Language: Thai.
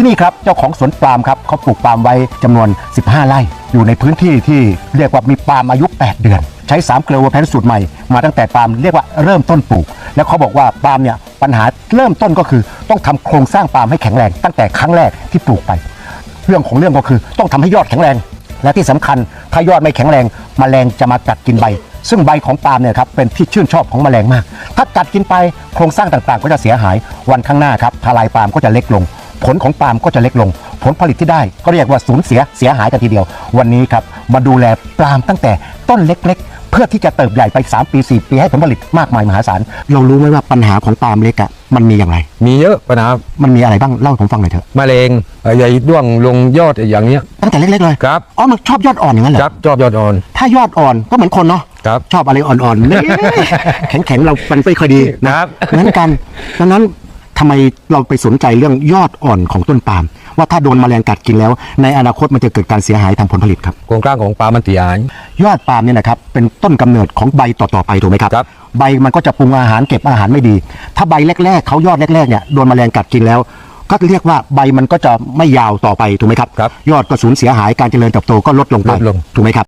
ที่นี่ครับเจ้าของสวนปาล์มครับเขาปลูกปาล์มไว้จำนวน15 ไร่อยู่ในพื้นที่ที่เรียกว่ามีปาล์มอายุ8 เดือนใช้3 เกลือเวอร์แพนสูตรใหม่มาตั้งแต่ปาล์มเรียกว่าเริ่มต้นปลูกแล้วเขาบอกว่าปาล์มเนี่ยปัญหาเริ่มต้นก็คือต้องทำโครงสร้างปาล์มให้แข็งแรงตั้งแต่ครั้งแรกที่ปลูกไปเรื่องของเรื่องก็คือต้องทำให้ยอดแข็งแรงและที่สำคัญถ้ายอดไม่แข็งแรงแมลงจะมากัดกินใบซึ่งใบของปาล์มเนี่ยครับเป็นที่ชื่นชอบของแมลงมากถ้ากัดกินไปโครงสร้างต่างๆก็จะเสียหายวันข้างหน้าครับทลายปาล์มก็จะเล็กลงผลของปาล์มก็จะเล็กลงผลผลิตที่ได้ก็เรียกว่าสูญเสียหายกันทีเดียววันนี้ครับมาดูแลปาล์มตั้งแต่ต้นเล็กๆเพื่อที่จะเติบใหญ่ไป3 ปี 4 ปีให้ผลผลิตมากมายมหาศาลเรารู้ไหมว่าปัญหาของปาล์มเล็กอะมันมีอย่างไรมีเยอะปัญหามันมีอะไรบ้างเล่าให้ผมฟังหน่อยเถอะมะเร็งใหญ่ด้วงลงยอดอย่างเนี้ยตั้งแต่เล็กๆเลยครับอ๋อมันชอบยอดอ่อนอย่างนั้นเหรอครับชอบยอดอ่อนถ้ายอดอ่อนก็เหมือนคนเนาะครับชอบอะไรอ่อนๆเนี่ย แข็งๆเรามันไม่ค่อยดีนะครับเหมือนกันดังนั้นทำไมเราไปสนใจเรื่องยอดอ่อนของต้นปาล์มว่าถ้าโดนแมลงกัดกินแล้วในอนาคตมันจะเกิดการเสียหายทางผลผลิตครับโครงสร้างของปลามันเสียหายยอดปาล์มเนี่ยนะครับเป็นต้นกำเนิดของใบต่อๆไปถูกไหมครับครับใบมันก็จะปรุงอาหารเก็บอาหารไม่ดีถ้าใบแรกๆเขายอดแรกๆเนี่ยโดนแมลงกัดกินแล้วก็เรียกว่าใบมันก็จะไม่ยาวต่อไปถูกไหมครับครับยอดก็สูญเสียหายการเจริญเติบโตก็ลดลงไปถูกไหมครับ